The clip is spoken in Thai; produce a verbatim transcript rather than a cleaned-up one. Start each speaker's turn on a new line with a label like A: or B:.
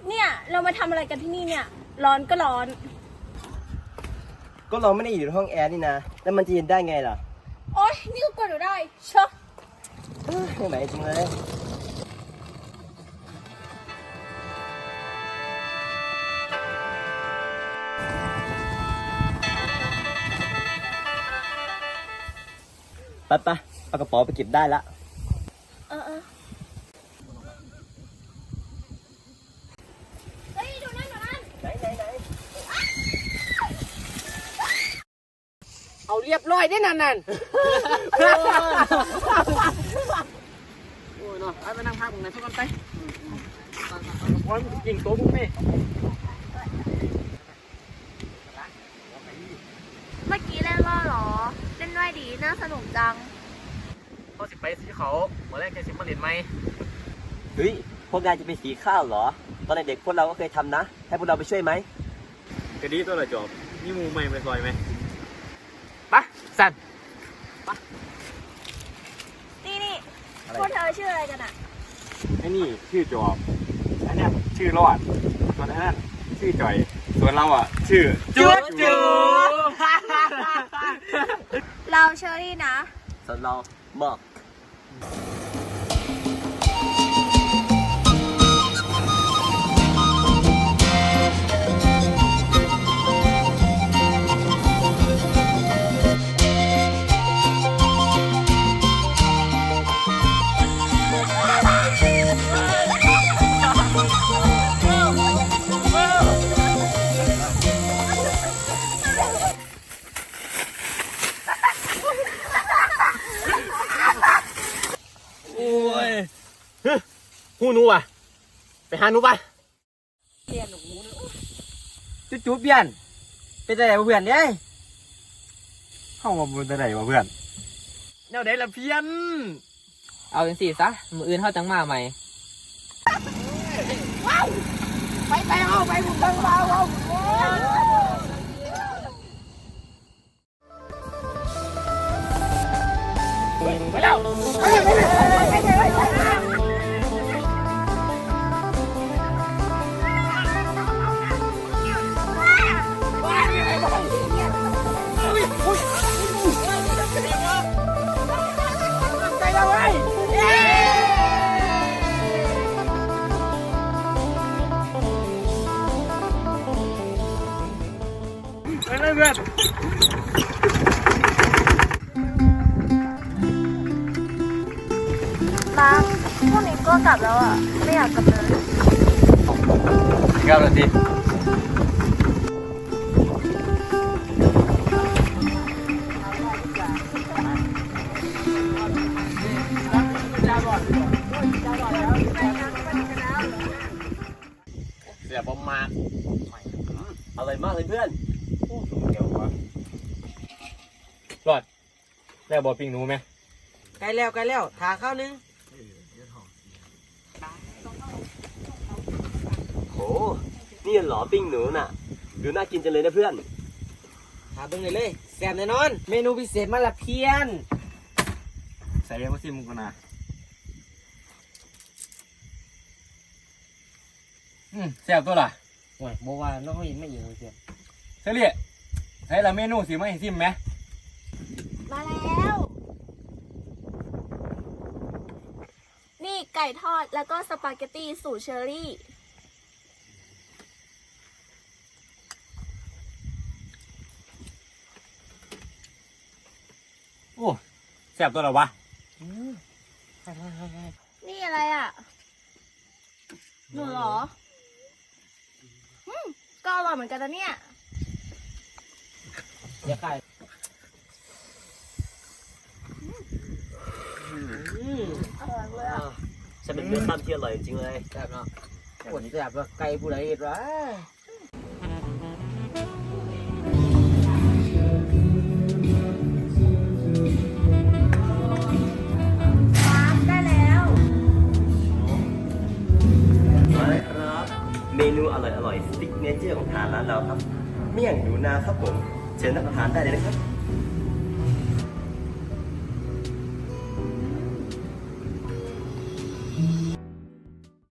A: เนี่ยเรามาทำอะไรกันที่นี่เนี่ยร้อนก็ร้อน
B: ก็เราไม่ได้อยู่ในห้องแอร์นี่นะแล้วมันจะเย็นได้ไงล่ะ
A: โอ๊ยนี่ก็กดอยู่ได้เชอะ
B: ไม่ไหวจริงเลยไปไปเอากระเป๋าไปเก็บได้ละ
A: เออเออเฮ้ยดูนั่นดูนั่น
B: ไหนไหนไหน
C: เอาเรียบร้อยได้นั่นนั่นโอ้ยเนาะไปนั่งพักตรงไหนสักคนไปโอ้ยมันยิงตัวพวกนี้
A: เมื่อกี้เล่นว่าหรอเล่นด้วยดีน่าสนุกจัง
C: เขาสิไปสีเขาเมื่อแรกแกสิมาเรียนไหม
B: เฮ้ยพวกนายจะไปสีข้าวเหรอตอนเด็กพวกเราก็เคยทำนะให้พวกเราไปช่วยไหม
C: ก็ดีตัวละจอบนี่มูใหม่ไปซอยไหมปะสันปะ
A: นี่นี่พวกเธอชื่ออะไรกันอ่ะ
C: ไอ้นี่ชื่อจอบอันนี้ชื่อรอดส่วนอันนั้นชื่อจ่อยส่วนเราอ่ะชื่อจุ๊บจุ๊บ
A: เราเชอรี่นะ
B: ส่วนเราบอก
C: หูหนูอ่ะไปหาหนูไปเพี้ยนหนูจุ๊บจุ๊บเพี้ยนเป็นอะไรวะเพื่อนเนี่ยเข้ามาเป็นอะไรวะเพื่อนแนวไหนล่ะเพี้ยน
D: เอาเป็นสี่ซะมืออื่นเข้าจังมาใหม่
C: ไปไปเอาไปบุกบังเบาเอาไปแล้วไปเลยเพื่อน
A: มาพวกนี้ก็กลับแล้วอ่ะไม่อยากกลับเลย
C: กลับแล้วสิเสียประมาณ
B: อร่อยมากเลยเพื่อน
C: เดี๋ยววะรอดแล้วบอปิ้งหนูไหม
D: ใกล้แล้วใกล้แล้วทาข้าวนึง
B: โหนี่เหรอปิ้งหนูน่ะดูน่ากินจังเลยนะเพื่อน
D: ทาเบิ้งเลยเลยแซ่บแน่นอนเมนูพิเศษมาละเพี้ยน
C: ใส่เรียกว่าซิมุกนะอืมแซ่บตัวล่ะ
D: โอ้ยโมว่าน้องเขาเห็นไม่อยู่เพี้ยน
C: เฉลี่ยใส่ละเมนูสิไม่เห็นซิมไหม
A: มาแล้วนี่ไก่ทอดแล้วก็สปาเกตตี้สูตรเชอรี่
C: โอ้แซ่บตัวหรอวะ
A: นี่อะไรอ่ะหนูเหรออืมก็อร่อยเหมือนกันนะเนี่ย
D: อย่าขาย
A: อร่อยเลยอ่ะ
B: ฉันเป็นเพื่อนบ้านที่อร่อยจริงเลย
D: แซ่บเนาะปวดแซ่บว่าไก่ผู้ใดเห็ดวะ
A: ได้แล้ว
B: มาเลยครับเมนูอร่อยอร่อยซิกเนเจอร์ของทางร้านเราครับเมี่ยงหนูนาครับผมเชิญรับประทานได้เลยนะครับ